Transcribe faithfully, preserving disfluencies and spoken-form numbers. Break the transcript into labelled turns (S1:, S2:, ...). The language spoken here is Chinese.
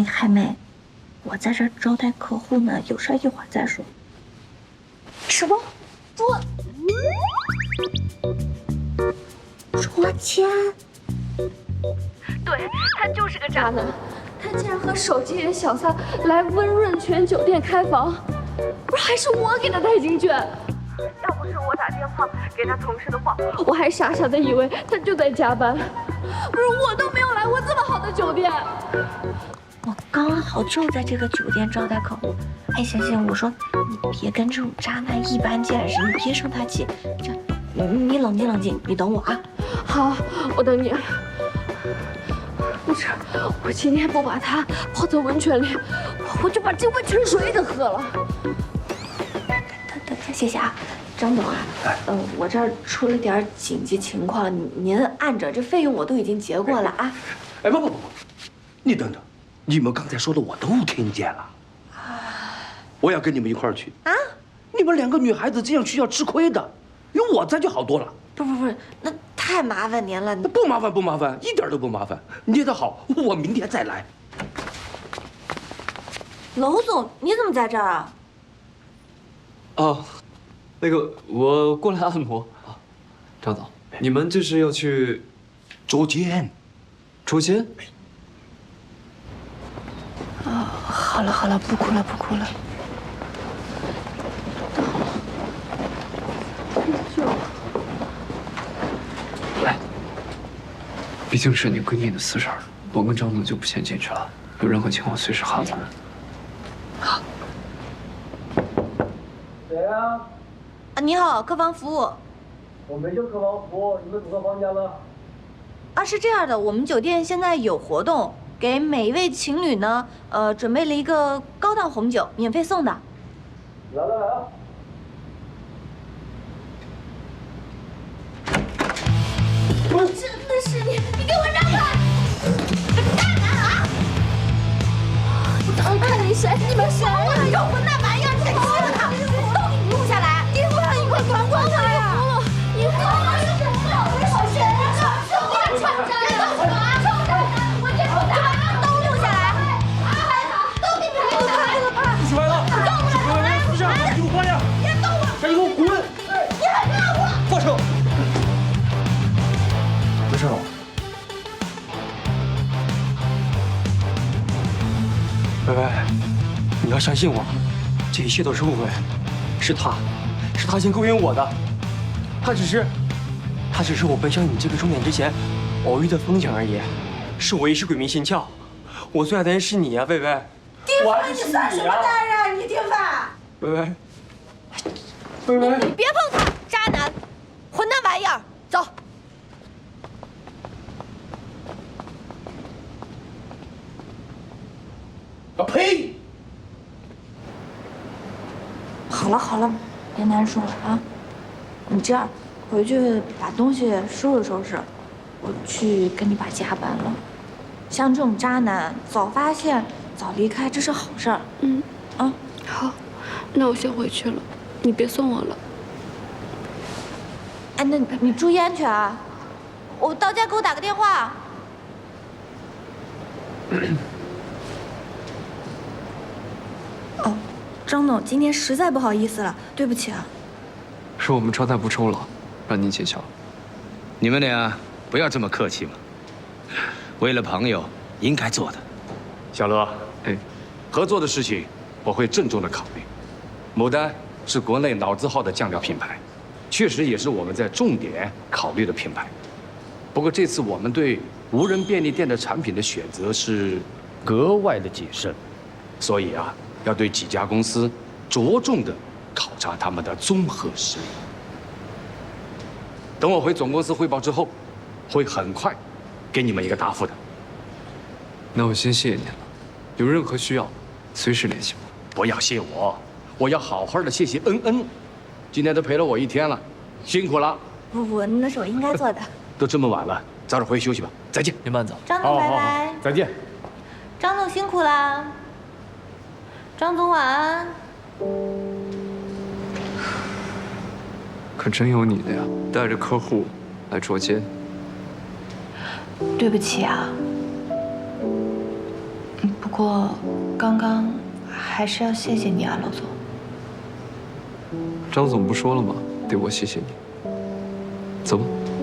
S1: 那个海妹，我在这儿招待客户呢，有事一会儿再说。什么？捉捉奸？
S2: 对，他就是个渣男，他竟然和手机里的小三来温润泉酒店开房，不是还是我给他带进去？要不是我打电话给他同事的话，我还傻傻的以为他就在加班。不是我都没有来过这么好的酒店。
S1: 我刚好就在这个酒店招待客户。哎，行行，我说你别跟这种渣男一般见识，你别生他气。这，你你冷静冷静，你等我啊。
S2: 好，我等你。不是，我今天不把他泡在温泉里，我就把这温泉水都喝了。
S1: 等等，谢谢啊，张总啊，呃，我这儿出了点紧急情况，您按着，这费用我都已经结过了啊。
S3: 哎，不不不不，你等等，你们刚才说的我都听见了。我要跟你们一块儿去啊！你们两个女孩子这样去要吃亏的，有我在就好多了。
S1: 不不不，那太麻烦您了。
S3: 不麻烦不麻烦，一点都不麻烦。捏得好，我明天再来。
S1: 娄总，你怎么在这儿啊？
S4: 哦，那个我过来按摩啊。张总，你们这是要去
S3: 捉奸？
S4: 捉奸？
S1: 啊，好了好了，不哭了不哭了。
S4: 来，毕竟是你闺蜜的私事儿，我跟张总就不先进去了。有任何情况随时喊我。好。
S5: 谁呀？
S1: 啊，你好，客房服务。
S5: 我没叫客房服务，你们组到房间了？
S1: 啊，是这样的，我们酒店现在有活动，给每一位情侣呢，呃，准备了一个高档红酒，免费送的。
S5: 来来来啊！
S1: 我真的是你，你给我让开！大男啊！我当看你谁？你们谁呀？有混蛋玩意儿，你欺负他，都给你录下来！你不让你快管管他呀！你服了！你服了！我是谁呀？臭臭渣男！臭渣男！我这臭渣男都录下来！拍他，都给你录下来！拍！
S3: 起来了！起来！不是，衣服换上！
S1: 别动我！
S3: 赶紧给我滚！
S1: 你还让我？
S3: 放手！
S4: 没事了。
S6: 薇薇，你要相信我，这一切都是误会，是他，是他先勾引我的，他只是，他只是我奔向你这个终点之前偶遇的风景而已，是我一时鬼迷心窍，我最爱的人是你啊，薇薇，
S1: 丁凡，
S6: 我爱的是
S1: 你算什么男人？你丁凡，
S6: 薇薇，薇薇，
S1: 你别碰他，渣男，混蛋玩意儿，走。
S3: 啊呸！
S1: 好了好了，别难受了啊！你这样，回去把东西收拾收拾，我去跟你爸加班了。像这种渣男，早发现早离开，这是好事儿。
S2: 嗯，
S1: 啊，
S2: 好，那我先回去了，你别送我了。
S1: 哎，那你注意安全啊！我到家给我打个电话。哦，张总，今天实在不好意思了，对不起啊。
S4: 是我们招待不周了，让您见笑。
S7: 你们俩不要这么客气嘛，为了朋友应该做的。
S3: 小乐，
S4: 哎，
S3: 合作的事情我会郑重的考虑。牡丹是国内老字号的酱料品牌，确实也是我们在重点考虑的品牌。不过这次我们对无人便利店的产品的选择是格外的谨慎，所以啊，要对几家公司着重的考察他们的综合实力。等我回总公司汇报之后，会很快给你们一个答复的。
S4: 那我先谢谢您了，有任何需要，随时联系我。
S3: 不要谢我，我要好好的谢谢恩恩，今天都陪了我一天了，辛苦了。
S1: 不不，那是我应该做的。
S3: 都这么晚了，早点回去休息吧。再见，
S4: 您慢走。
S1: 张总，拜拜。
S3: 再见。
S1: 张总辛苦啦。张总晚安。
S4: 可真有你的呀，带着客户来捉奸。
S1: 对不起啊。
S8: 不过，刚刚还是要谢谢你啊，娄总。
S4: 张总不说了吗？得我谢谢你。走吧。